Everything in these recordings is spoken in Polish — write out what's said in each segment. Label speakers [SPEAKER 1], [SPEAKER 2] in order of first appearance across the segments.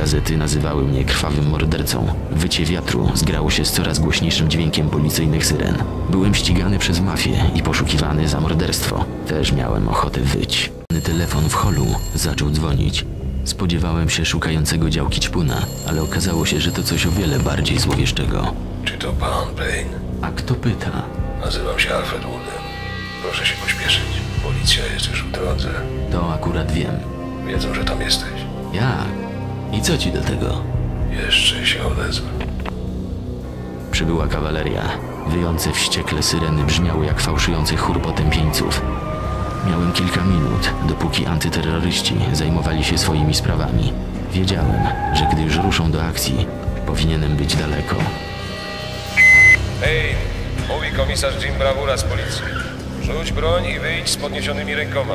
[SPEAKER 1] Gazety nazywały mnie krwawym mordercą. Wycie wiatru zgrało się z coraz głośniejszym dźwiękiem policyjnych syren. Byłem ścigany przez mafię i poszukiwany za morderstwo. Też miałem ochotę wyć. Telefon w holu zaczął dzwonić. Spodziewałem się szukającego działki ćpuna, ale okazało się, że to coś o wiele bardziej złowieszczego.
[SPEAKER 2] Czy to pan Payne?
[SPEAKER 1] A kto pyta?
[SPEAKER 2] Nazywam się Alfred Wooden. Proszę się pośpieszyć. Policja jest już w drodze.
[SPEAKER 1] To akurat wiem.
[SPEAKER 2] Wiedzą, że tam jesteś.
[SPEAKER 1] Jak? I co ci do tego?
[SPEAKER 2] Jeszcze się odezwę.
[SPEAKER 1] Przybyła kawaleria. Wyjące wściekle syreny brzmiały jak fałszujący chór potępieńców. Miałem kilka minut, dopóki antyterroryści zajmowali się swoimi sprawami. Wiedziałem, że gdy już ruszą do akcji, powinienem być daleko.
[SPEAKER 2] Hej, mówi komisarz Jim Bravura z policji. Rzuć broń i wyjdź z podniesionymi rękoma.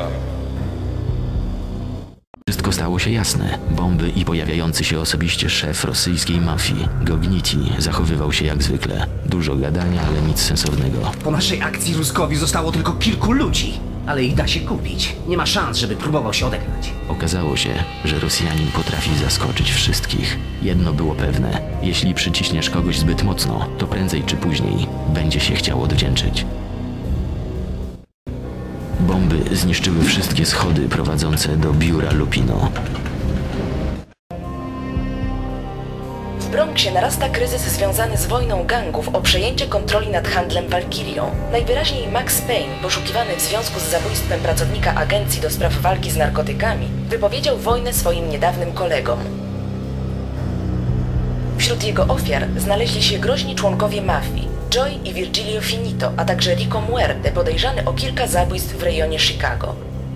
[SPEAKER 1] Wszystko stało się jasne. Bomby i pojawiający się osobiście szef rosyjskiej mafii, Gogniti, zachowywał się jak zwykle. Dużo gadania, ale nic sensownego.
[SPEAKER 3] Po naszej akcji Ruskowi zostało tylko kilku ludzi, ale ich da się kupić. Nie ma szans, żeby próbował się odegrać.
[SPEAKER 1] Okazało się, że Rosjanin potrafi zaskoczyć wszystkich. Jedno było pewne. Jeśli przyciśniesz kogoś zbyt mocno, to prędzej czy później będzie się chciał odwdzięczyć. Bomby zniszczyły wszystkie schody prowadzące do biura Lupino.
[SPEAKER 4] W Bronxie narasta kryzys związany z wojną gangów o przejęcie kontroli nad handlem Walkirią. Najwyraźniej Max Payne, poszukiwany w związku z zabójstwem pracownika agencji do spraw walki z narkotykami, wypowiedział wojnę swoim niedawnym kolegom. Wśród jego ofiar znaleźli się groźni członkowie mafii, Joy i Virgilio Finito, a także Rico Muerte, podejrzany o kilka zabójstw w rejonie Chicago.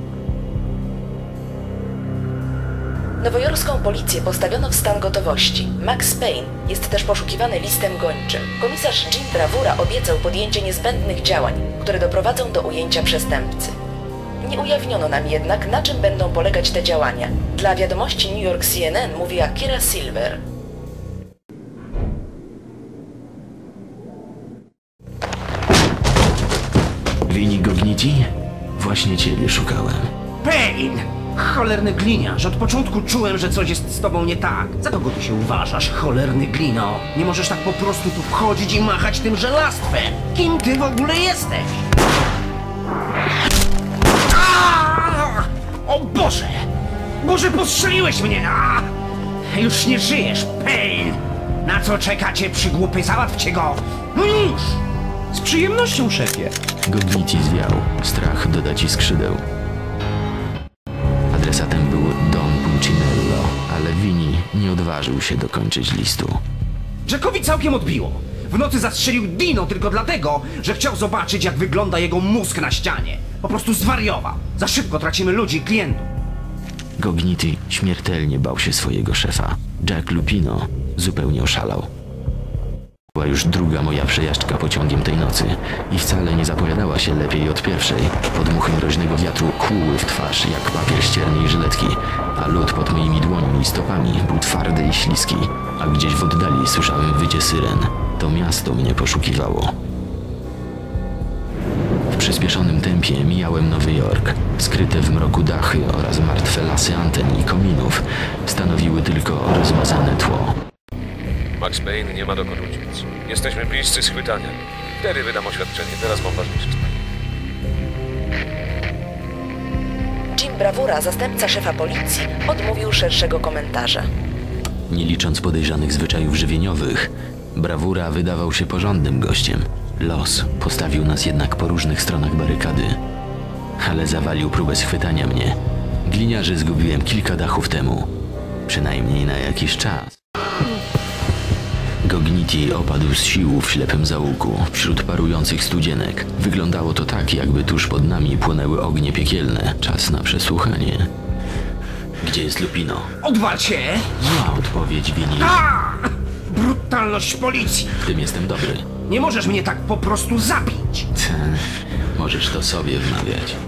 [SPEAKER 4] Nowojorską policję postawiono w stan gotowości. Max Payne jest też poszukiwany listem gończym. Komisarz Jim Bravura obiecał podjęcie niezbędnych działań, które doprowadzą do ujęcia przestępcy. Nie ujawniono nam jednak, na czym będą polegać te działania. Dla wiadomości New York CNN mówi Akira Silver.
[SPEAKER 1] Wini Gogniti? Właśnie ciebie szukałem.
[SPEAKER 3] Payne! Cholerny gliniarz, od początku czułem, że coś jest z tobą nie tak. Za kogo ty się uważasz, cholerny glino? Nie możesz tak po prostu tu wchodzić i machać tym żelastwem. Kim ty w ogóle jesteś? Aaaa! O Boże! Boże, postrzeliłeś mnie! Aaaa! Już nie żyjesz, Payne! Na co czekacie, przygłupy? Załatwcie go! No już!
[SPEAKER 5] Z przyjemnością, szefie.
[SPEAKER 1] Gogniti zwiał. Strach doda ci skrzydeł. Adresatem był Don Pulcinello, ale Vini nie odważył się dokończyć listu.
[SPEAKER 3] Jackowi całkiem odbiło. W nocy zastrzelił Dino tylko dlatego, że chciał zobaczyć, jak wygląda jego mózg na ścianie. Po prostu zwariował. Za szybko tracimy ludzi i klientów.
[SPEAKER 1] Gogniti śmiertelnie bał się swojego szefa. Jack Lupino zupełnie oszalał. Była już druga moja przejażdżka pociągiem tej nocy i wcale nie zapowiadała się lepiej od pierwszej. Podmuchy mroźnego wiatru kłuły w twarz jak papier ściernej żyletki, a lód pod moimi dłońmi i stopami był twardy i śliski, a gdzieś w oddali słyszałem wycie syren. To miasto mnie poszukiwało. W przyspieszonym tempie mijałem Nowy Jork. Skryte w mroku dachy oraz martwe lasy anten i kominów stanowiły tylko rozmazane tło.
[SPEAKER 2] Max Payne nie ma dokąd uciec. Jesteśmy bliscy schwytania. Wtedy wydam oświadczenie. Teraz mam ważniejsze sprawy.
[SPEAKER 4] Jim Bravura, zastępca szefa policji, odmówił szerszego komentarza.
[SPEAKER 1] Nie licząc podejrzanych zwyczajów żywieniowych, Bravura wydawał się porządnym gościem. Los postawił nas jednak po różnych stronach barykady, ale zawalił próbę schwytania mnie. Gliniarzy zgubiłem kilka dachów temu, przynajmniej na jakiś czas. Gogniti opadł z sił w ślepym zaułku, wśród parujących studzienek. Wyglądało to tak, jakby tuż pod nami płonęły ognie piekielne. Czas na przesłuchanie. Gdzie jest Lupino?
[SPEAKER 3] Odwal się!
[SPEAKER 1] Zła odpowiedź, Vini.
[SPEAKER 3] Brutalność policji!
[SPEAKER 1] W tym jestem dobry.
[SPEAKER 3] Nie możesz mnie tak po prostu zabić!
[SPEAKER 1] Możesz to sobie wmawiać.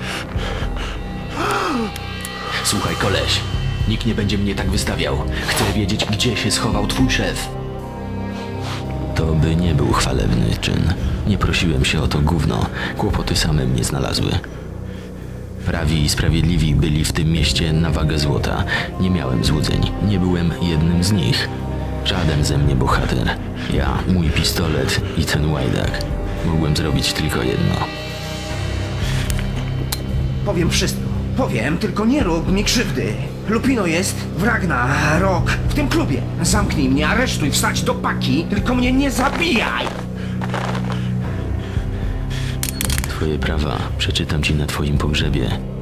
[SPEAKER 1] Słuchaj, koleś. Nikt nie będzie mnie tak wystawiał. Chcę wiedzieć, gdzie się schował twój szef. To by nie był chwalebny czyn. Nie prosiłem się o to gówno. Kłopoty same mnie znalazły. Prawi i sprawiedliwi byli w tym mieście na wagę złota. Nie miałem złudzeń. Nie byłem jednym z nich. Żaden ze mnie bohater. Ja, mój pistolet i ten łajdak. Mogłem zrobić tylko jedno.
[SPEAKER 3] Powiem wszystko. Powiem, tylko nie rób mi krzywdy. Lupino jest w Ragnarok, w tym klubie. Zamknij mnie, aresztuj, wsadź do paki, tylko mnie nie zabijaj!
[SPEAKER 1] Twoje prawa przeczytam ci na twoim pogrzebie.